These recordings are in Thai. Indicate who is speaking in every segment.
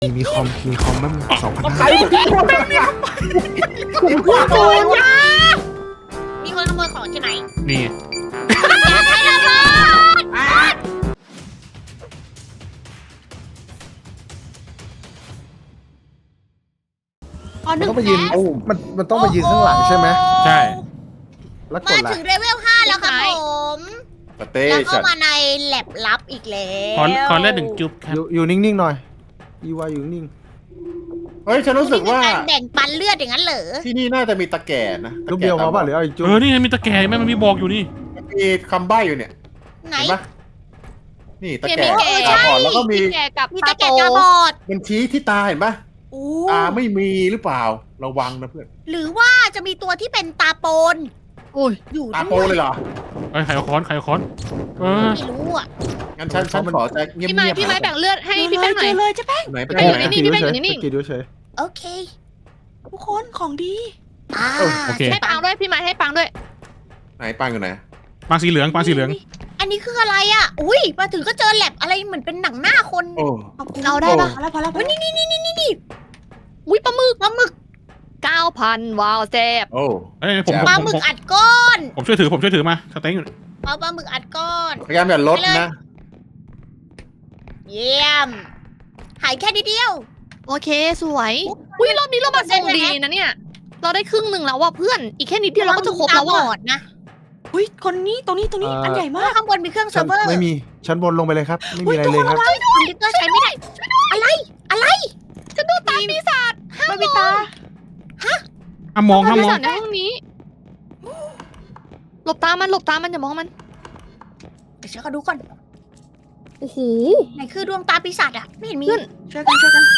Speaker 1: มีคอมบ้าง2,500
Speaker 2: ใครผมพี่คนเนี่ยผมพูด
Speaker 3: โอ้
Speaker 2: เลย
Speaker 3: ยมีคนขโมยของใช่ไหม
Speaker 1: นี่
Speaker 3: อย่าใช้ระเบิด
Speaker 1: มันต้องไปยืนมันต้องไปยืนข้างหลังใช่ไหม
Speaker 4: ใช่
Speaker 1: แล้วก
Speaker 3: มา
Speaker 1: ดละ
Speaker 3: ถึงเลเวล 5 แล้วครับผม
Speaker 2: สเต้
Speaker 3: แล้วก็
Speaker 2: ชัด
Speaker 3: มาในแลบลับอีกแล้ว
Speaker 4: ขอเลือด1 จุ๊บครับ
Speaker 1: อยู่นิ่งๆหน่อยอีวาอยู่นิ่ง
Speaker 2: เฮ้ยฉันรู้สึกว่า
Speaker 3: นี่เป็นการแบ่งปันเลือดอย่างนั้นเหรอ
Speaker 2: ที่นี่น่าจะมีตะแก่นะ
Speaker 1: ลูกเดียวพอป่ะหรือเอาอีกจุ๊บ
Speaker 4: นี่ไงมีตะแกรงไหมมันมีบอกอยู่นี่
Speaker 2: มีคำใบ้อยู่เนี่ย
Speaker 3: ไหน
Speaker 2: เห็นปะนี่ตะ
Speaker 5: มี
Speaker 2: แก่
Speaker 5: แก่
Speaker 2: ตาบอดแล้วก็มี
Speaker 5: แก่กับ
Speaker 3: มี
Speaker 5: ตา
Speaker 3: ตะ
Speaker 5: โต
Speaker 3: แกรงตาบอด
Speaker 2: มันชี้ที่ตาเห็นปะ
Speaker 3: อู้
Speaker 2: ตาไม่มีหรือเปล่าระวังนะเพื่อน
Speaker 3: หรือว่าจะมีตัวที่เป็นตาโปน
Speaker 5: อุ้ย
Speaker 3: อยู่
Speaker 2: ตา
Speaker 3: ด้
Speaker 2: โป
Speaker 3: วย
Speaker 2: เลยเหรอ
Speaker 4: เอ้ยไข่เอาค้อนเออ
Speaker 3: ไม่รู้อ่ะ
Speaker 2: งั้นฉันขอจะเงียบ
Speaker 5: พี่
Speaker 2: ๆ
Speaker 5: ไม้แบ่งเลือดให้พี่แป้งหน่อย
Speaker 3: เลยจะแป้ง
Speaker 2: ไหนไป
Speaker 5: ไป
Speaker 2: ไหน
Speaker 5: อยู่นี่พี่แป้งอยู่นี่
Speaker 1: สกิลด้วยเฉย
Speaker 3: โอเค ทุกคนของดีอ่า
Speaker 4: โอเค
Speaker 5: ให้ปังด้วยพี่ไม้ให้ปังด้วย
Speaker 2: ไหนปังอยู่ไหน
Speaker 4: ปางสีเหลือง
Speaker 3: อันนี้คืออะไรอ่ะ อุ้ยมาถึงก็เจอแลบอะไรเหมือนเป็นหนังหน้าคน
Speaker 2: โอ้
Speaker 5: เอาได้ปะ
Speaker 3: พอแล้วนี่
Speaker 5: อุ้ยปลาหมึก
Speaker 3: ปลาหมึก
Speaker 5: 9,000ว้าวแซ่บ
Speaker 2: โอ้
Speaker 4: เอ้ยผม
Speaker 2: แจ๋ว
Speaker 3: ปลาหมึกอัดก้อน
Speaker 4: ผมช่วยถือมาสเต็งอยู่
Speaker 3: เอาปลาหมึกอัดก้อน
Speaker 2: พยายามอย่าลดนะ
Speaker 3: เยี่ยม หายแค่นิดเดียว
Speaker 5: โอเคสวยอุ้ยรอบนี้เรามาส่งดีนะเนี่ย เราได้ครึ่งหนึ่งแล้วว่ะเพื่อนอีกแค่นิดเดียวเราก็จะครบแล้ว
Speaker 3: ตา
Speaker 5: ว่ะ
Speaker 3: บอดนะ
Speaker 6: อุ้ยคนนี้ตรงนี้อันใหญ่
Speaker 3: เพราะ
Speaker 6: มาก
Speaker 3: ว่าข้างบนมีเครื่องเซิ
Speaker 1: ชั้
Speaker 3: ร์ฟเวอร์
Speaker 1: ไม่มีชั้นบนลงไปเลยครับ ไม่มีอะไรเลยครับ
Speaker 3: คอมพิวเตอร์ใช้ไม่ได้ อะไร
Speaker 5: ฉันดูตาปีศาจ
Speaker 6: มันมีตา
Speaker 4: ห้ามมอง
Speaker 5: ตา
Speaker 4: ห้าม
Speaker 5: ปี
Speaker 4: มอง
Speaker 5: ศาจในห้องนี้หลบตามันอย่ามองมัน
Speaker 3: เดี๋ยวฉันขอดูก่อน
Speaker 5: โอ้โห
Speaker 3: ไหนคือดวงตาปีศาจอะไม่เห็นมี
Speaker 5: เพื่อน
Speaker 6: ช่วยกัน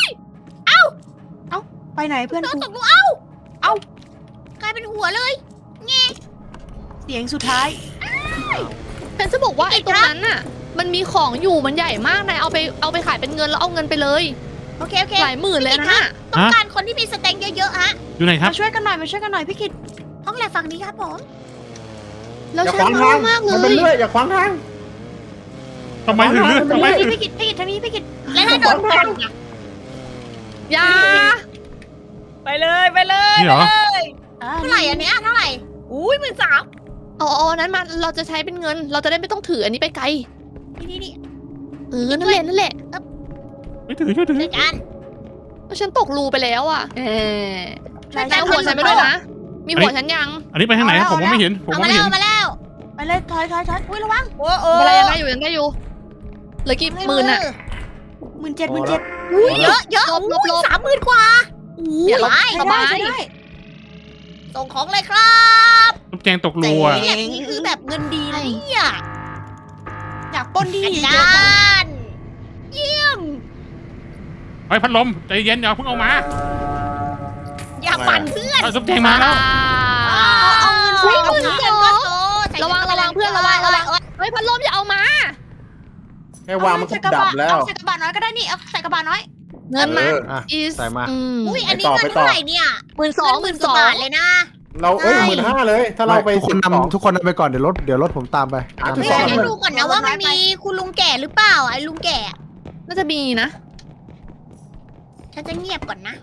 Speaker 6: ไปไหนเพื่อน
Speaker 3: เรา
Speaker 6: กู
Speaker 3: ตกลงกลายเป็นหัวเลย
Speaker 6: เสียงสุดท้าย
Speaker 5: ฉันจะบอกว่าไอ้ตรงนั้นน่ะ มันมีของอยู่มันใหญ่มากนายเอาไปขายเป็นเงินแล้วเอาเงินไปเลย
Speaker 3: โอเค
Speaker 5: หลายหมื่นเลยนะน่ะ
Speaker 3: ต้องการคนที่มีสเต็งเยอะๆฮะ
Speaker 4: อยู่ไหนครับ
Speaker 6: มาช่วยกันหน่อยพี่กิต
Speaker 3: ห้องแลบฝั่งนี้ครับผม
Speaker 5: แล้ว
Speaker 2: อย่า
Speaker 5: ฉั
Speaker 2: ขวาง
Speaker 5: น
Speaker 2: ทาง
Speaker 5: มากเล
Speaker 2: มันเป็น
Speaker 5: ย
Speaker 2: เลื่อยอย่าขวางทาง
Speaker 4: ทำไมถึงเลือดทำไมถึง
Speaker 3: พี่กิตทางนี้พี่กิตแล้วถ้าโดนฟันอะ
Speaker 5: อยา
Speaker 3: ไปเลย
Speaker 4: นี่เหรอ
Speaker 3: เท่าไหร่อันเนี้ยเท่าไหร่อุ้ย13,000
Speaker 5: เอาอันนั้นมาเราจะใช้เป็นเงิน เราจะได้ไม่ต้องถืออันนี้ไปไกล
Speaker 3: นี่
Speaker 5: นั่นแหละ
Speaker 4: ไม่ถือช่วยถือ
Speaker 3: เจอกัน
Speaker 5: แล้วฉันตกรูไปแล้วอ่ะ
Speaker 3: ช่วย
Speaker 5: แต่
Speaker 3: กัน
Speaker 5: หัวฉันไม่ด้วยนะ มีหัวฉันยัง
Speaker 4: อันนี้ไปทางไหนผมมองไม่เห็น
Speaker 3: เอามาแล้ว
Speaker 6: ไปเลยถอย
Speaker 3: อุ้ยระวังโอ้
Speaker 5: อะไรยังได้อยู่เหลือกี่หมื่นอ่ะ
Speaker 6: 17,000
Speaker 3: อุ้ยเยอะ
Speaker 5: ลบ
Speaker 3: 30,000 กว่า
Speaker 5: อย่าลบ
Speaker 3: ไป
Speaker 5: สบาย
Speaker 6: ใช้ได้
Speaker 3: ส่งของเลยครับ
Speaker 4: ลูกแจงตกรูอ่ะ
Speaker 3: นี่แหละนี่คือแบบเงินดีนะเนี่ย
Speaker 6: อยากปล้นดี
Speaker 3: อา
Speaker 6: เย
Speaker 3: จ
Speaker 6: อะ
Speaker 3: ารย์เยี่ยม
Speaker 4: ไอ้พัดลมใจเย็นอย่าเพิ่งเอามา
Speaker 3: อย่าปั่นเพื่อน
Speaker 4: ลูกแจงมาแล้ว
Speaker 3: เอาเงินใส่กับเพื่อนก็โต
Speaker 5: ระวังเพื่อนระวังเฮ้ยพัดลมอย่าเอามา
Speaker 2: แค่วางมันก็ดับแล้ว
Speaker 6: ใส่กระบะน้อยก็ได้นี่เอาใส่กระบะน้อย
Speaker 5: เงินมา
Speaker 1: อ่ะ
Speaker 5: is
Speaker 1: ใส่มา
Speaker 3: อุ้ยอันนี้เงินเท่าไหร่เนี่ย
Speaker 5: 12,000
Speaker 3: กว่าบาทเลยนะ
Speaker 2: เรา15,000เลย ถ้าเราไป
Speaker 1: ทุกคนทุกคนนำไปก่อนเดี๋ยวรถผมตามไป
Speaker 2: 12
Speaker 3: ไม่งั้นดูก่อนนะว่ามันมีคุณลุงแก่หรือเปล่าไอ้ลุงแก่
Speaker 5: น่าจะมีนะ
Speaker 3: ฉันจะเงียบก่อนนะ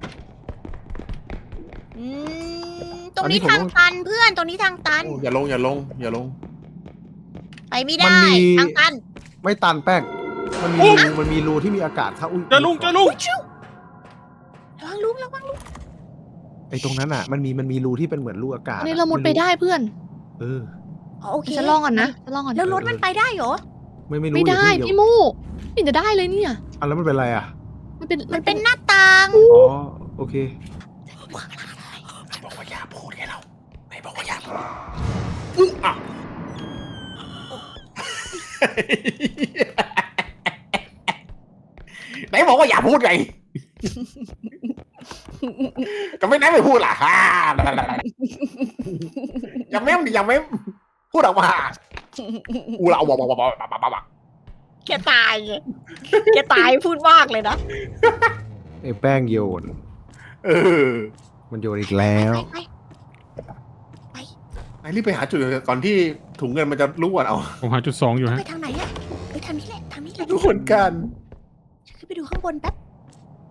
Speaker 3: ตรงนี้ทางตันเพื่อนตรงนี้ทางตัน
Speaker 2: อย่าลง
Speaker 3: ไปไม่ได้ทางตัน
Speaker 1: ไม่ตันแป้งมันมีรูที่มีอากาศเข้าอุ้ย
Speaker 4: เจอลุง
Speaker 3: ระวังลุง
Speaker 1: ไอ้ตรงนั้นอ่ะมันมีรูที่เป็นเหมือนรูอากาศ
Speaker 5: อันนี้เรามุดไปได้เพื่อน
Speaker 1: เออ
Speaker 3: โอเค
Speaker 5: ฉันลองก่อนนะฉันลองก่อน
Speaker 3: แล้วรถมันไปได้เหรอ
Speaker 1: ไม่รู้
Speaker 5: ไม่ได้
Speaker 1: เยว
Speaker 5: พี่มูไม่จะได้เลยเนี่ย
Speaker 1: อ่ะแล้วมันเป็นอะไรอ่ะ
Speaker 5: มันเป็น
Speaker 3: มันเป็นหน้าต่าง
Speaker 1: อ๋อโอเค
Speaker 2: บอกว่าอย่าพูดไงเราไม่บอกว่าอย่าพูดไหนบอกว่าอย่าพูดไงก็ไม่ไหนไม่พูดล่ะอย่าเม้มพูดออกมาอูเราบอก
Speaker 3: แกตายพูดมากเลยนะ
Speaker 1: ไอ้แป้งโยน มันโยนอีกแล้ว
Speaker 2: ไอ้รีบไปหาจุดก่อนที่ถุงเงินมันจะรั่วเอา
Speaker 4: ผมหาจุด2อยู่ฮะ
Speaker 3: ไปทางไหนอะไปทางนี้แหละ
Speaker 2: ทุกคนกัน
Speaker 3: ฉันขึ้นไปดูข้างบนแป๊บ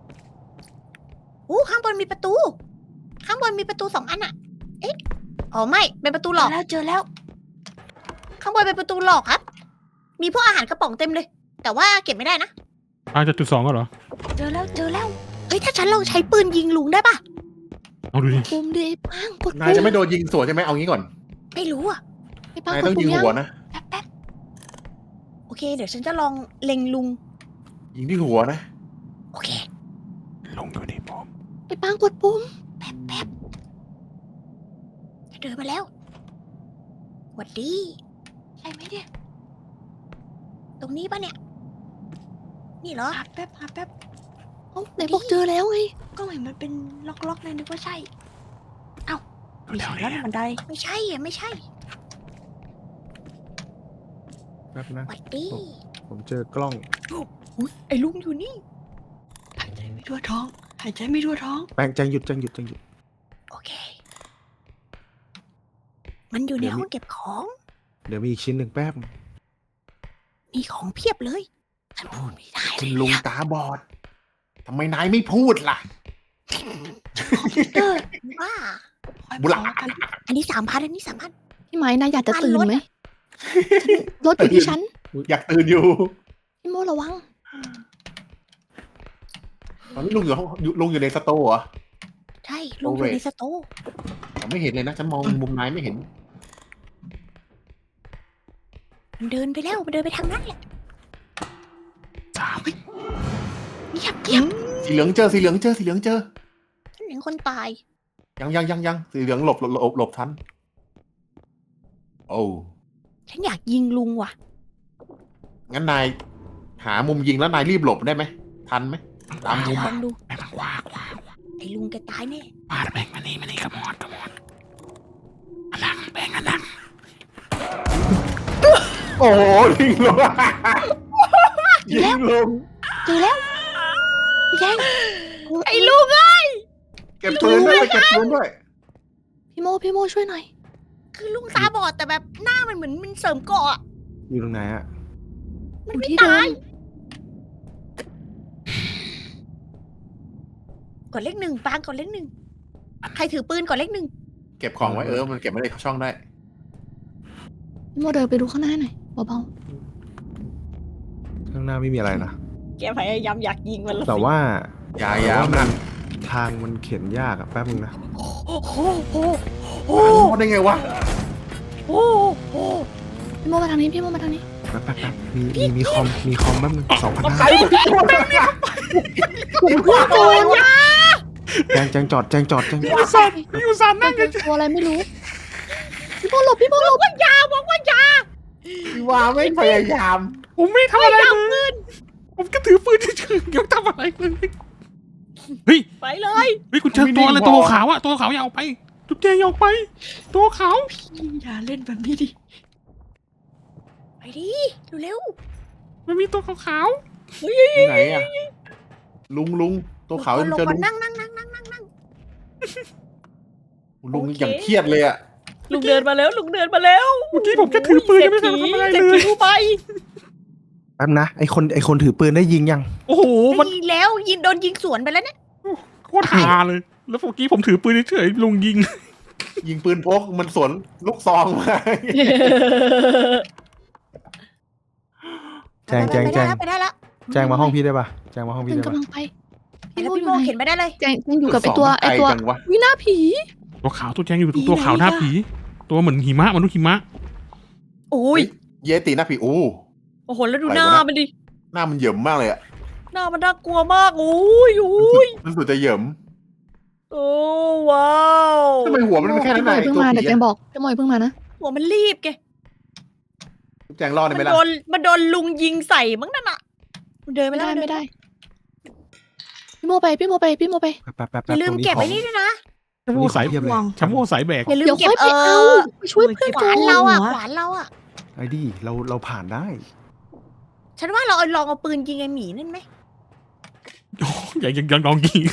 Speaker 3: ข้างบนมีประตู ข้างบนมีประตู2 อันอะเอ๊ะอ๋อไม่เป็นประตูหลอก
Speaker 6: เจอแล้ว
Speaker 3: ข้างบนเป็นประตูหลอกครับ มีพวกอาหารกระป๋องเต็มเลย แต่ว่าเก็บไม่ได้นะ
Speaker 4: จะจุด2ก็เหรอ
Speaker 6: เจอแล้ว
Speaker 3: เฮ้ยถ้าฉันลองใช้ปืนยิงลุงได้ปะ
Speaker 4: เอาดูดิ
Speaker 5: ปุ่มดิปังกด
Speaker 2: นาย
Speaker 5: ปุ่
Speaker 2: จะ
Speaker 5: ม
Speaker 2: ไม่โดนยิงสวนใช่ไหมเอางี้ก่อน
Speaker 3: ไม่รู้อะ
Speaker 5: ไอ้ปัง
Speaker 2: นาย
Speaker 5: ก
Speaker 2: ต้
Speaker 5: ด
Speaker 2: อง
Speaker 5: ปุ่
Speaker 2: ยิ
Speaker 5: ม
Speaker 2: ง
Speaker 5: ยัง
Speaker 2: หัวนะ
Speaker 6: แป๊บ
Speaker 3: โอเค เดี๋ยวฉันจะลองเล็งลุง
Speaker 2: ยิงที่หัวนะ
Speaker 3: โอเค
Speaker 4: ลงดูดิผม
Speaker 5: ไอ้ปังกดปุ่ม
Speaker 3: แป๊บเดินมาแล้วหวัดดี
Speaker 6: ใช่ไหมเนี่ย
Speaker 3: ตรงนี้ปะเนี่ย นี่เหรอ
Speaker 6: หาแป๊บ
Speaker 5: เอ้าไหนบอกเจอแล้วไง
Speaker 6: ก็เห็นมันเป็นล็อกๆเลยนึกว่าใช่ เอ้าไม่ใช่
Speaker 4: แล้
Speaker 6: แล้ว วบันได
Speaker 3: ไม่ใช่อะไม่ใช่
Speaker 1: แป๊บนะ
Speaker 3: หวัดดี
Speaker 1: ผมเจอกล้อง
Speaker 3: อุ๊ยไอ้ลุงอยู่นี่
Speaker 6: หายใจไม่ทั่วท้อง หายใจไม่ทั่วท้อง
Speaker 1: แป้งแจงหยุด
Speaker 3: โอเค มันอยู่ในห้องเก็บของ
Speaker 1: เดี๋ยวมีอีกชิ้นหนึ่งแป๊บ
Speaker 3: มีของเพียบเลย ฉันพูดไม่ได้เล
Speaker 2: คุ
Speaker 3: ย
Speaker 2: ณลุงตาบอดทำไมนายไม่พูดล่ะ
Speaker 6: เตอร์
Speaker 3: ว่า
Speaker 2: บุหลา
Speaker 3: อันนี้3,000อันนี้3,000
Speaker 5: พี่ไม้นายอยากจะ
Speaker 3: ปัน
Speaker 5: ตื่น
Speaker 3: รถ
Speaker 5: ไหมรถอยู่ที่ฉัน
Speaker 2: อยากตื่นอยู่
Speaker 5: พี่โมระวัง
Speaker 2: ตอนนี้ลุงอยู่ในสโตร์เหรอ
Speaker 3: ใช่ลุงอยู่ในสโต๊ะ
Speaker 2: ผมไม่เห็นเลยนะ ฉันมองมุมนายไม่เห็น
Speaker 3: มันเดินไปแล้วมันเดินไปทางนั้นแหละ
Speaker 6: เงียบ
Speaker 2: สีเหลืองเจอ
Speaker 3: ฉันเห็นคนตาย
Speaker 2: ยังสีเหลืองหลบทัน โอ้
Speaker 3: ฉันอยากยิงลุงว่ะ
Speaker 2: งั้นนายหามุมยิงแล้วนายรีบหลบได้ไหม ทันไหม ตามมุม
Speaker 3: ลองดู
Speaker 4: แม่งมันกว้าง
Speaker 3: ไอ้ลุงแกตายแน่
Speaker 4: ปาดแม่งมานี่กระมอนอันหลังแบ่งอันหลัง
Speaker 2: โอ้โหยิงลงยิงลง
Speaker 6: เจอแล้วพี่แจง
Speaker 3: ไอ้ลุงอะ
Speaker 2: เก็บปืนด้วยเก็บปืนด้วย
Speaker 5: พี่โมช่วยหน่อย
Speaker 3: คือลุงตาบอดแต่แบบหน้ามันเหมือนมันเสริมเกราะอะ
Speaker 1: อยู่ตรงไหนอะ
Speaker 5: อ
Speaker 3: มัน
Speaker 5: ยู่
Speaker 3: ไม่
Speaker 5: ที่เดิ
Speaker 3: ตาย
Speaker 5: ม
Speaker 3: กดเลข 1ปางกดเลข 1ใครถือปืนกดเลข 1
Speaker 2: เก็บของไว้มันเก็บไม่ได้เข้าช่องได้
Speaker 5: พี่โมเดินไปดูข้างหน้าหน่อยเบา
Speaker 1: ข้างหน้าไม่มีอะไรนะ
Speaker 3: แกพยายามอยากยิงมัน
Speaker 1: แต่ว่า
Speaker 2: อย่า
Speaker 1: แต่ว่า
Speaker 2: มัน
Speaker 1: ทางมันเข็นยากอะแป๊บนึงนะ
Speaker 3: โอ้โหโอ้โห
Speaker 2: รอดได้ไงวะ
Speaker 3: โอ้โห
Speaker 5: ๆพี่โมมาทางนี้พี่โมมาทางนี้
Speaker 1: แป๊บมีคอมแป๊บนึง2,500
Speaker 2: ใครพี่โดน
Speaker 3: โอ้ยยา
Speaker 1: แจงจอด
Speaker 4: อยู่ซานนั่งกัน
Speaker 5: ตัวอะไรไม่รู้พี่โมหลบพี่โมหลบ
Speaker 3: บอกว่ายา
Speaker 2: ว่าไม่พยายาม
Speaker 4: ผมไม่ทำอะไรเลยผมก็ถือปืนเฉยๆยังทำอะไรเลยเฮ้ย
Speaker 3: ไปเลย
Speaker 4: คุณเจอตัวอะไรตัวขาวอะตัวขาวอย่าออกไปจุ๊บแจงอย่าออกไป ตัวขาว
Speaker 6: อย่าเล่นแบบนี้ดิ
Speaker 3: ไปดิเร็ว
Speaker 4: มันมีตัวขาว
Speaker 2: ไหนอะลุงตัว
Speaker 3: ๆ
Speaker 2: ขาว
Speaker 3: ลง
Speaker 2: เจอ
Speaker 3: มา
Speaker 2: ลุง
Speaker 3: นั่ง
Speaker 2: ลุงอย่างเครียดเลยอะ
Speaker 3: ลุงเดินมาแล้ว
Speaker 4: ๆเมื่อกี้ผมแค่ถือปืนยังไม่ทันทำอะไรเลย
Speaker 3: ไป
Speaker 1: แป๊บนะไอคนถือปืนได้ยิงยัง
Speaker 4: โอ้โหมัน
Speaker 3: ยิงแล้วโดนยิงสวนไปแล้วเนี่ย
Speaker 4: โคตรฮาเลย แล้วเมื่อกี้ผมถือปืนเฉยๆลุงยิง
Speaker 2: ยิงปืนพกมันสวนลูกซองมา
Speaker 1: แจง
Speaker 3: ไปได้แล้ว
Speaker 1: แจงมาห้องพี่ได้ปะแจงมาห้องพี่
Speaker 5: เป็น
Speaker 1: ได้ปะ
Speaker 5: กำลังไปพี่
Speaker 3: แล้ว
Speaker 5: โม
Speaker 3: พี่
Speaker 5: อ
Speaker 3: โม
Speaker 5: ยู่ไหน
Speaker 3: เข็นไปได้เลย
Speaker 5: แจงอยู่กับไอตัว
Speaker 2: ไกลจังวะ
Speaker 5: วินาผี
Speaker 4: ตัวขาวตัวแจงอยู่ตัวขาวหน้าผี ตัวเหมือนหิมะมนุษย์หิมะ
Speaker 3: โอ้ย
Speaker 2: เยติหน้าผีโอ้
Speaker 3: โอ้โหแล้วดูหน้ามันดิ
Speaker 2: หน้ามันเหยิมมากเลยอะ
Speaker 3: หน้ามันน่ากลัวมากโอ้ย
Speaker 2: มันสุดจะเหยิม
Speaker 3: โอ้ว้าว
Speaker 2: ทำไมหัวมันเป็นแค่นั้น
Speaker 5: พี่
Speaker 2: ไง
Speaker 5: โมเพิ่ง
Speaker 2: ตัว
Speaker 5: มา
Speaker 2: ผี
Speaker 5: เดี๋ยวแจงบอกพี่โมเพิ่งมานะ
Speaker 3: หัวมันรีบแก
Speaker 2: แจงรอดได้ไหมล่ะ
Speaker 3: มันโดนลุงยิงใส่มั้งนั่นอะมันเดิน
Speaker 5: ไม่
Speaker 3: ไม่
Speaker 5: ได้
Speaker 3: ได้
Speaker 5: ไม่ได้พี่โมไป
Speaker 3: อย่าลืมเก็บไว้นี่ด้วยนะ
Speaker 4: ชัมโม่สาย
Speaker 1: เทียบเลย
Speaker 4: ชัมโม่สายแบก
Speaker 3: อย่าลืม
Speaker 5: เดี๋ยว
Speaker 3: เก็บ
Speaker 5: ค่อยไปเอาไปช่วยเพื่อน
Speaker 3: ข
Speaker 5: ก่
Speaker 3: วา
Speaker 5: อน
Speaker 3: นเราอะขวานเราอะ
Speaker 1: ไอ้ดิเราผ่านได้
Speaker 3: ฉันว่าเราเอาลองเอาปืนยิงไอ้หมีนั่นไหม
Speaker 4: ยังลองยิง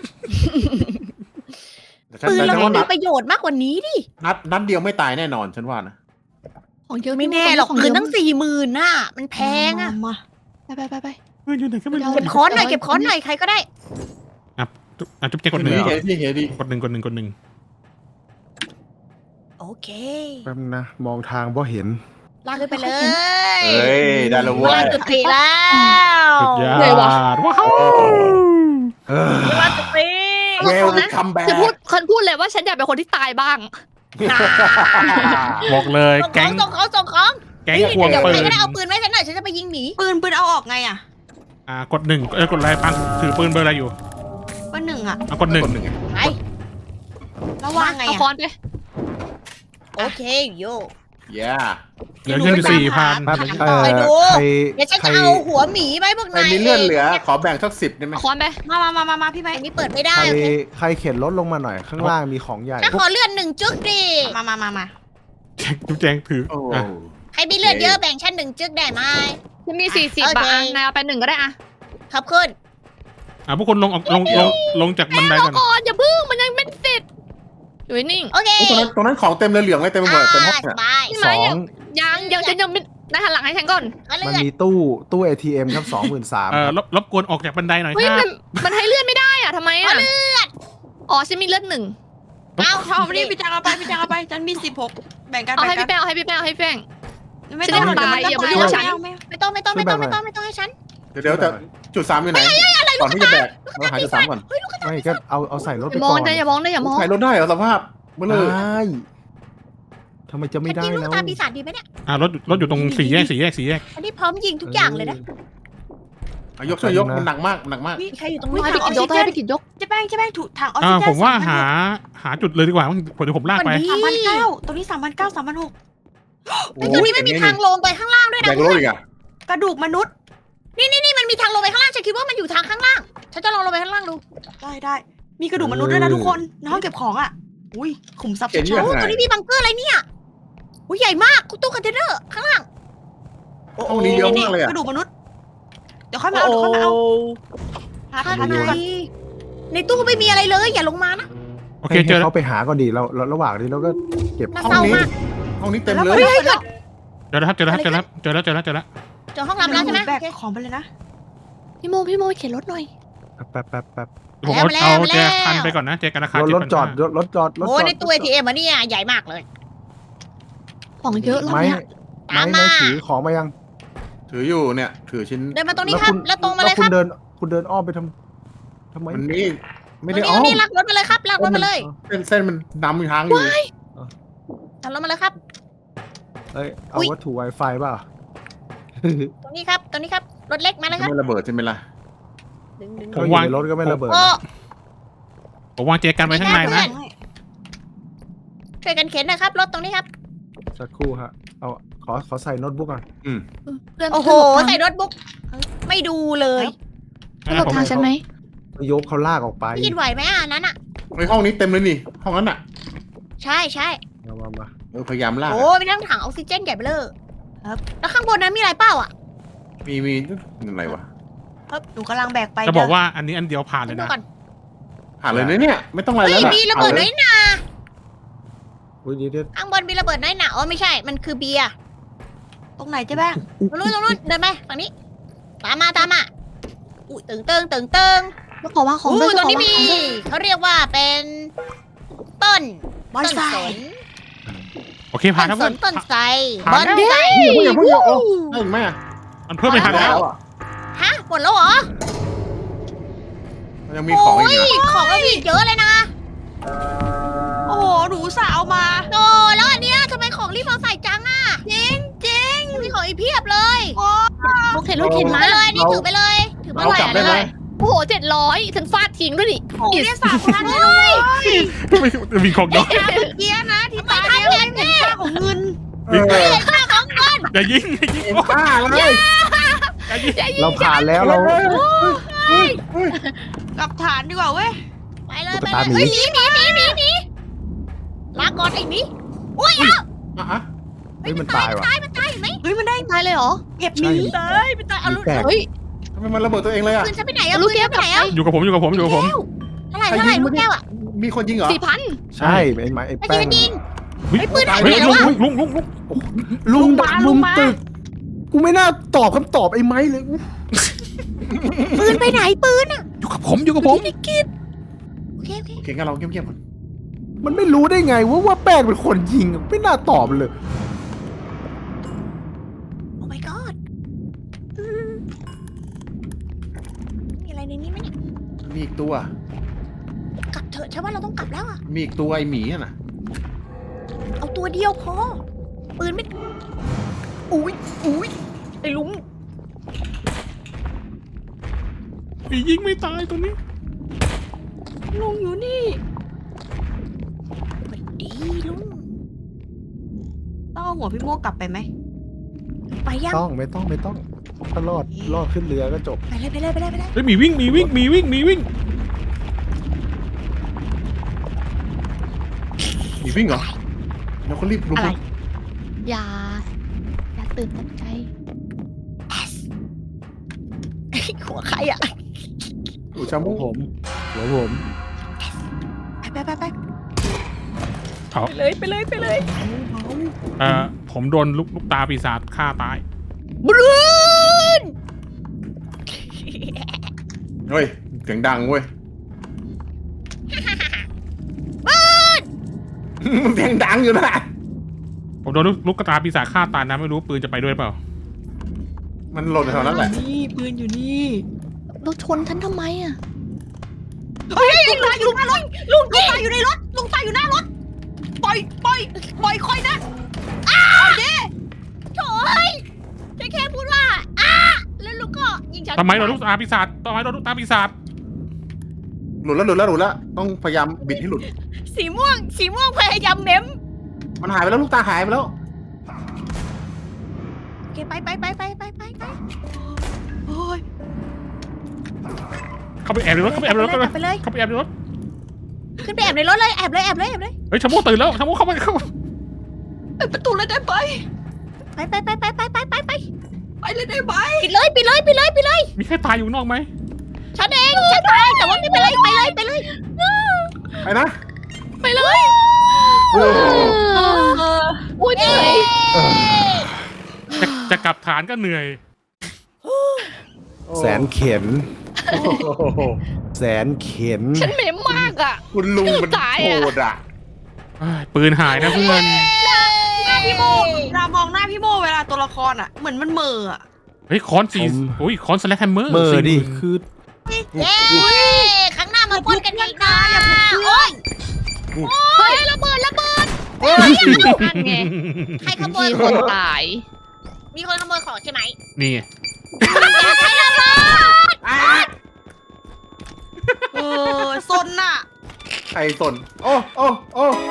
Speaker 3: ปืนเรา
Speaker 2: ฉัน
Speaker 3: ไม่
Speaker 2: ว่า
Speaker 3: มีประโยชน์มากกว่านี้ดิ
Speaker 2: นัดเดียวไม่ตายแน่นอนฉันว่านะ
Speaker 5: ของเยอะ
Speaker 3: ไม่แน่หรอก
Speaker 5: ของ
Speaker 3: ปื
Speaker 5: เย
Speaker 3: น
Speaker 5: อะ
Speaker 3: ตั้ง40,000น่ะมันแพงอะ
Speaker 6: มา
Speaker 5: ไป
Speaker 4: เพื่อนอยู่ไหนก็ไม่รู้
Speaker 3: เก็บค้อนหน่อยเก็บค้อนหน่อยใครก็ได้
Speaker 4: จุ๊บแจงกดหนึ่ง
Speaker 2: เห็นที่เห็นดิ
Speaker 4: กดหนึ่ง
Speaker 3: โอเค
Speaker 1: แป๊บนะมองทางบ่เห็น
Speaker 3: ลากขึ้นไปเลย
Speaker 2: เฮ้ยได้แล้วเว้
Speaker 3: ลาก
Speaker 2: ย
Speaker 3: จุติแล้ว
Speaker 4: สุดยอ
Speaker 5: เหนื่อยวะ
Speaker 4: ดว้าว
Speaker 1: เออ
Speaker 3: ลากจุติ
Speaker 2: เวลคัมแบ็
Speaker 5: จะพูดเลยว่าฉันอยากเป็นคนที่ตายบ้าง
Speaker 4: บอกเลย
Speaker 3: ส่งข
Speaker 4: แก๊
Speaker 3: อง
Speaker 4: ง
Speaker 3: ส่งของส่งของ
Speaker 4: แก๊งควง
Speaker 3: เดี๋ยว
Speaker 4: ปื
Speaker 3: ใคร
Speaker 4: น
Speaker 3: ก็ได้เอาปืนไว้ฉันหน่อยฉันจะไปยิงหมี
Speaker 6: ปืนเอาออกไงอ่ะ
Speaker 4: กดหนึ่งกดอะไรปังถือปืนเบอร์อะไรอยู่
Speaker 6: เบอร์หนึ่งอ่ะ
Speaker 4: กดหนึ่ง
Speaker 2: คนหนึ่ง
Speaker 3: ไป
Speaker 6: แล้ววางไง
Speaker 5: เอา
Speaker 6: อ่ะ
Speaker 5: ค้อนไป
Speaker 3: โอเคโย
Speaker 2: เย้
Speaker 4: เหลือเงินอยู่4,000
Speaker 1: แป๊บ
Speaker 3: ถามต่อให้ดู
Speaker 1: ใคร
Speaker 3: เดี๋ยวฉัน
Speaker 1: ใคร
Speaker 3: จะเอาหัวหมีไว้พวก
Speaker 2: ใคร
Speaker 3: นาย
Speaker 2: มีเลือดเหลือ ขอแบ่งสัก10ได้ไหม
Speaker 5: เอาค้อนไป
Speaker 6: มาพี่ไบ
Speaker 3: อันนี้เปิดไม่ได้
Speaker 1: ใคร
Speaker 3: โอเค
Speaker 1: ใครเข็นรถลงมาหน่อยข้างล่างมีของใหญ่
Speaker 3: ฉันขอเลือด1 จึ๊กดิ
Speaker 6: มา
Speaker 4: จุ๊บแจงถือ
Speaker 2: โอ้
Speaker 4: อ่ะ
Speaker 3: ใครมีเลือดเยอะแบ่งฉัน1 จึ๊กได้ไหม
Speaker 5: ฉันมี40
Speaker 3: โอเค
Speaker 5: บาทนายเอาไป1ก็ได้อะ
Speaker 3: ขอบคุณ
Speaker 4: พวกคนลงจากบันไดก่อน
Speaker 5: ก่อนอย่าพึ่งมันยังไม่เสร็จอยู่นิ่ง
Speaker 3: โอเค
Speaker 2: ตรงนั้นของเต็มเลยเหลืองเลยเต็มไปหมดเต็มห้อง
Speaker 3: ส
Speaker 2: เนี่ย
Speaker 3: บาย
Speaker 5: พี่
Speaker 1: ส
Speaker 5: ไม้
Speaker 1: อง
Speaker 5: ยังฉันยังไม่นายหันหลังให้ฉันก่อน
Speaker 3: ก็เลื
Speaker 1: มัน
Speaker 3: อด
Speaker 1: มีตู้ ATM ครับ23,000
Speaker 4: รบกวนออกจากบันไดหน่อย
Speaker 5: เฮ้ย
Speaker 4: ครับ
Speaker 5: มันให้เลื่อนไม่ได้อะทำไมอะอ๋อฉันมีเลือด1
Speaker 3: เอา
Speaker 6: เอาไปดิพี่แจงเอาไปฉันมี16แบ่งกัน
Speaker 5: เอาให้
Speaker 6: แบ่ง
Speaker 5: พี่แป้งเอาให้พี่แป้งเอาให้พี่แป้ง
Speaker 6: ไม่ต้อง
Speaker 5: ฉันจะตายอย่ามายุ่งกับฉัน
Speaker 3: ไม่ต้องให้ฉัน
Speaker 2: เดี๋ยวแต่จุด3อยู่ไหนก่อนที่จะแบกเราหาจุด3ก่อน
Speaker 1: ไม่ก็เอาใส่รถ
Speaker 5: อ
Speaker 1: ไป
Speaker 5: ย่าม
Speaker 1: ก่
Speaker 5: อ
Speaker 1: อง น
Speaker 5: นะอย่ามองนะอย่ามอง
Speaker 2: ใส่รถได้เหรอสภาพเมื่อเลย
Speaker 1: ได้ทำไมจะไม่ได้
Speaker 3: ยิงลู
Speaker 1: แล้
Speaker 3: ก
Speaker 1: ว
Speaker 3: ตาปีศาจดีไหมเนี่ย
Speaker 4: รถอยู่ตรง4 แยก
Speaker 3: อันนี้พร้อมยิงทุกอย่างเลยนะ
Speaker 2: ยกช่วยยกมันหนักมากหนักมาก
Speaker 3: มีใครอยู่ตรง
Speaker 5: ให้
Speaker 3: นี้
Speaker 5: พี่กิจยกให้พี่กิจยก
Speaker 6: เจ๊แป้งถูกถังออกซิเจน
Speaker 4: ผมว่าหาจุดเลยดีกว่าเดี๋ยวผมลากไป
Speaker 6: 3,900ตรงนี้3,900 3,600
Speaker 3: แต่ตรงนี้ไม่มีทางลงไปข้างล่างด้วย
Speaker 2: ใหญ่
Speaker 3: นะ
Speaker 2: กว่ารถอีกอ่ะ
Speaker 6: กระดูกมนุษย์
Speaker 3: นี่มันมีทางลงไปข้างล่างฉันคิดว่ามันอยู่ทางข้างล่างฉันจะลองลงไปข้างล่างดู
Speaker 6: ได้มีกระดูกมนุษย์ด้วยนะทุกคนในห้องเก็บของอ่ะอุ้ยขุมทรัพย์
Speaker 2: เห็น
Speaker 6: ชั
Speaker 2: ยั
Speaker 6: ด
Speaker 2: ง
Speaker 3: โอ้
Speaker 2: ไง
Speaker 3: ตัวนี้มีบังเกอร์อะไรเนี่ยอุ้ยใหญ่มากตู้คอนเทนเนอร์ข้างล่าง
Speaker 2: ห้องนี้เยอะมากเลยอ่ะ
Speaker 6: กระดูกมนุษย์เดี๋ยวค่อยมาเอาหา
Speaker 3: ข้าง
Speaker 6: ดู
Speaker 3: ใน
Speaker 6: ก่อน
Speaker 3: ในตู้ไม่มีอะไรเลยอย่าลงมานะ
Speaker 4: โอเคเจอ
Speaker 1: ให้
Speaker 4: แล้ว
Speaker 1: เขาไปหาก่อนดิเราระหว่างนี้เราก็เก็บ
Speaker 3: น่า
Speaker 2: ห้อง
Speaker 3: เศร้า
Speaker 2: นี้
Speaker 3: มาก
Speaker 2: ห้องนี้เต็มเลย
Speaker 3: เฮ้ย
Speaker 4: เจอแล้วครับเจอแล้ว
Speaker 3: เจอแล้ว
Speaker 4: เจอแล้ว
Speaker 3: เจอห้องลับแล้วใช่ไหม
Speaker 6: แบกของไปเลยนะ
Speaker 5: พี่โมเข็นรถหน่อย
Speaker 1: แป๊บ
Speaker 4: ผมเอาแจกันไปก่อนนะแจกันราคาร
Speaker 1: ถจอดรถจอด
Speaker 3: โอ้ในตู้ ATM อ่ะเนี่ยใหญ่มากเลย
Speaker 5: ของเยอะแล้ว
Speaker 1: ไม้
Speaker 5: เนี่ย
Speaker 3: ตาม
Speaker 1: ไม้
Speaker 3: มา
Speaker 1: ถือของมายัง
Speaker 2: ถืออยู่เนี่ยถือชิ้น
Speaker 3: เดินมาตรงนี้ครับแล้วตรงมาเลย
Speaker 1: คุ
Speaker 3: ค
Speaker 1: ณ
Speaker 3: รับ
Speaker 1: เดินอ้อมไปทำไม
Speaker 2: มันนี่ไม่
Speaker 3: ตร
Speaker 2: ได้
Speaker 3: ง
Speaker 2: อ๋อ
Speaker 3: นี้ลากรถมาเลยครับลากรถมาเลย
Speaker 2: เส้นมันดำอยู่ทางอยู่
Speaker 3: ลากรถมาเลยครับ
Speaker 1: เอ้ยเอาวัตถุ Wi-Fi เปล่า
Speaker 3: ตรงนี้ครับรถเล็กมาเลยครับ
Speaker 2: ไม่ระเบิดใช่ไหมล่ะ
Speaker 3: ดึง
Speaker 1: เขาอยู่ในรถก็ไม่ระเบิด
Speaker 3: โอ้
Speaker 4: ผมวางแจกันไว้ข้างในนะ
Speaker 3: ช่วยกันเข็นนะครับรถตรงนี้ครับ
Speaker 1: สักครู่ฮะเอาขอใส่โน้ตบุ๊กก่อน
Speaker 5: เพื่อน
Speaker 3: โอ้โหใส่รถบุ๊กไม่ดูเลย
Speaker 5: หลบทางฉันไหม
Speaker 1: ยกเขาลากออกไป
Speaker 3: พี่กินไหวไหมอันนั้นอ่ะ
Speaker 2: ในห้องนี้เต็มเลยนี่ห้องนั้นอ่ะ
Speaker 3: ใช่
Speaker 1: มา
Speaker 2: พยายามลาก
Speaker 3: โอ้มีทั้งถังออกซิเจนใหญ่เบ้อเลยแล้วข้างบนนั้นมีอะไรเปล่าอ่ะ
Speaker 2: มีอะไรวะ
Speaker 6: หนูกำลังแบกไป
Speaker 4: จะบอกว่าอันนี้อันเดียวผ่านเลย
Speaker 3: ดู
Speaker 4: นะ
Speaker 3: ก่อน
Speaker 2: ผ่านเลยนะเนี่ยไม่ต้องอะไร
Speaker 3: เฮ้ย
Speaker 2: แล้ว
Speaker 3: มีระเบิดน้อยหนา
Speaker 1: อุ้ยเดี๋ยว
Speaker 3: ข้างบนมีระเบิดน้อยหนาอ๋อไม่ใช่มันคือเบียร์
Speaker 6: ตรงไหนเจ๊แป้ง
Speaker 3: ตรงนู้นเดินไปฝั่งนี้ตามมาอุ้ยตึง
Speaker 5: แล้วขอวางของ
Speaker 3: อู้
Speaker 5: ด้วย
Speaker 3: ตรงนี้มีเขาเรียกว่าเป็นต้น
Speaker 6: บอน
Speaker 3: ต้น
Speaker 6: ไซ
Speaker 3: สน
Speaker 4: โอเคผ่าน
Speaker 3: ต้
Speaker 4: ทั้
Speaker 3: น
Speaker 4: ง
Speaker 3: ส
Speaker 4: หมด
Speaker 3: นต้นไทร
Speaker 4: ผ่าน
Speaker 3: บอนไซ
Speaker 2: อย่าเพิ่งเอาได้ไหม
Speaker 4: มันเพิ่มไม่ทันแล้ว
Speaker 3: ฮะหมดแล้วเหรอ
Speaker 2: ยังมีของอีก
Speaker 3: โยของเรามีอีกเยอะเลยนะ
Speaker 6: โอ้โหหนูสาวมา
Speaker 3: โอ้แล้วอันเนี้ยทำไมของรีบเอาใส่จังอ่ะจริงมีของอีกเพียบเลย
Speaker 5: เข็นรถเข็น
Speaker 3: ถือ
Speaker 5: มา
Speaker 3: ไปเลยนี่ถือไปเลยถือมา
Speaker 2: เรากลับได้ไหม
Speaker 5: โอ้โห700ฉันฟาดทิ้งด้วยดิ
Speaker 6: โอ้ยสาวพันเลย
Speaker 4: มีของยก
Speaker 6: เกี้ยนะที่
Speaker 3: ทำไม
Speaker 6: ตาย
Speaker 3: ท่าน
Speaker 6: เนี่ย
Speaker 3: เห็นเนี่ย
Speaker 6: ค่าของเงิน
Speaker 4: อย่ายิง
Speaker 2: เอ็นป้าเลย
Speaker 1: เราผ่านแล้วเรา
Speaker 6: กลับฐานดีกว่าเว้ย
Speaker 3: ไปเลย
Speaker 1: ตุ๊
Speaker 3: ไป
Speaker 1: กตา
Speaker 3: เลย
Speaker 1: หมี
Speaker 3: เฮ้ยหนีลาก่อนไอ้หมีอุ้ย
Speaker 1: เฮ้ยมันตายว่ะ
Speaker 3: มันตายเห็นไหม
Speaker 6: เฮ้ยมันได้
Speaker 5: ตายเลยเหรอ
Speaker 6: เห็บห
Speaker 1: ใช่
Speaker 6: มี
Speaker 3: ตายมันตายเอาลูก
Speaker 1: แตก
Speaker 5: เฮ้ย
Speaker 2: ทำไมมันระเบิดตัวเองเลยอ่ะ
Speaker 3: ปืนฉันไปไหนอะ
Speaker 5: ลู
Speaker 3: ปื
Speaker 5: ก
Speaker 3: น
Speaker 5: แก้
Speaker 3: ฉั
Speaker 5: วน
Speaker 3: ไปไหนอะ
Speaker 4: อยู่กับผม
Speaker 3: เท่าไหร่ลูกแก้วอะ
Speaker 2: มีคนยิงเหรอ
Speaker 5: 4,000
Speaker 1: ใช่ไอ้ไม้ไอ้
Speaker 3: ไอ้
Speaker 1: แป้
Speaker 3: ยิ
Speaker 1: ง
Speaker 3: งยิง
Speaker 4: เฮ้ย
Speaker 3: ไอ้ปืนหายไป
Speaker 4: เฮ้ย
Speaker 3: ไหนแล้วอะ
Speaker 4: ลุง
Speaker 1: ลุงตึกกูไม่น่าตอบคำตอบไอ้ไม้เลย
Speaker 3: ปืนไปไหนปืนอะ
Speaker 4: อยู่กับผม
Speaker 3: พี่กิตเคโอเค
Speaker 2: โอเคงั้นเราเงียบๆก่อน
Speaker 1: มันไม่รู้ได้ไงว่าแป้งเป็นคนยิงไม่น่าตอบเลย
Speaker 3: โอ้ my god มีอะไรในนี้ไหมเนี่ย
Speaker 2: มีอีกตัว
Speaker 3: กลับเถอะฉันว่าเราต้องกลับแล้วอะ
Speaker 2: มีอีกตัวไอหมีอะน่ะ
Speaker 3: เอาตัวเดียวพอปืนไม่อุ้ยไอ้ลุง
Speaker 4: ผียิงไม่ตายตัวนี้
Speaker 6: ลุงอยู่นี่
Speaker 3: สวัสดีลุง
Speaker 6: ต้องเอาหัวพี่โมกลับไปไหม
Speaker 3: ไปยัง
Speaker 1: ไม่ต้องถ้ารอดขึ้นเรือก็จบ
Speaker 3: ไปเลยไปเลยไปเลยไปเลย
Speaker 4: เฮ้ยหมีวิ่ง
Speaker 2: มีวิ่งเหรอแล้วก็รีบลุก
Speaker 5: อะไร อย่าตื่นตกใจ
Speaker 3: หัวใครอะ
Speaker 2: อูชา
Speaker 1: หั
Speaker 2: มุ
Speaker 1: วผมหัวผม
Speaker 3: ไป
Speaker 4: เอา
Speaker 3: ไปเลย
Speaker 4: ผมโดนลูกตาปีศาจฆ่าตาย
Speaker 3: บรูน
Speaker 2: เฮ้ยเสียงดังเว้ยเสียงดังอยู่นะ
Speaker 4: ผมโดนลูกตาปีศาจฆ่าตายนะไม่รู้ปืนจะไปด้วยเปล่า
Speaker 2: มันหล่นแถวนั้นแหละ
Speaker 6: นี่ปืนอยู่นี่
Speaker 5: เราชนฉันทำไมอ่ะ
Speaker 6: เฮ้ยลุงตายอยู่หน้ารถลุงตายอยู่ในรถลุงตายอยู่หน้ารถปล่อยค่อยนะ
Speaker 3: โถ่ฉันแค่พูดว่าแล้วลุงก็ยิงฉัน
Speaker 4: ทำไมโดนลูกตาปีศาจ
Speaker 2: หลุดแล้วต้องพยายามบิดให้หลุด
Speaker 3: สีม่วงพยายามเม้ม
Speaker 2: มันหายไปแล้วลูกตาหายไปแล้ว
Speaker 3: โอเคไป
Speaker 6: โอ้ย
Speaker 4: เข้าไปแอบในรถ
Speaker 3: กลับไปเลย
Speaker 4: เข้าไปแอบในรถ
Speaker 3: ขึ้นไปแอบในรถเลยแอบเลย
Speaker 4: เฮ้ยชาโมตื่นแล้วชาโมเข้ามา
Speaker 6: เปิดประตูเลยได้ไหม
Speaker 3: ไป
Speaker 6: ไปเลยได้ไหม
Speaker 3: ปิดเลย
Speaker 4: มีใครตายอยู่นอกไหม
Speaker 3: ฉันเองฉันตายแต่ว่าไม่เป็นไรไปเลย
Speaker 2: ไปนะ
Speaker 5: ไปเลยอุ้ยเหนื่อย
Speaker 4: จะกลับฐานก็เหนื่อย
Speaker 1: แสนเข็นแสนเข็น
Speaker 5: ฉันเหม็นมากอ่ะ
Speaker 2: คุณลุงมัน
Speaker 5: ตาย
Speaker 2: โห
Speaker 5: อะ
Speaker 2: ดอ่ะ
Speaker 4: ปืนหายนะเพื่อน
Speaker 6: พี่โมเรามองหน้าพี่โมเวลาตัวละครอ่ะเหมือนมันเหม่ออ่ะ
Speaker 4: เฮ้ยค้อนสี่โอ้ยค้อนสแลกแฮมเมอร์
Speaker 1: เมอร์ดิคือ
Speaker 3: เย้ครั้งหน้ามาปนกันอีกนะโอ้ย
Speaker 5: เฮ้ยระเบิด นั่นไง
Speaker 3: ใครขโม
Speaker 5: มี
Speaker 3: ย
Speaker 5: คนตาย
Speaker 3: มีคนขโมยของใช่ไหม
Speaker 4: นี่
Speaker 3: อย่าใช้ระเบิด
Speaker 6: ซนน่ะ
Speaker 2: ใครสนโอ้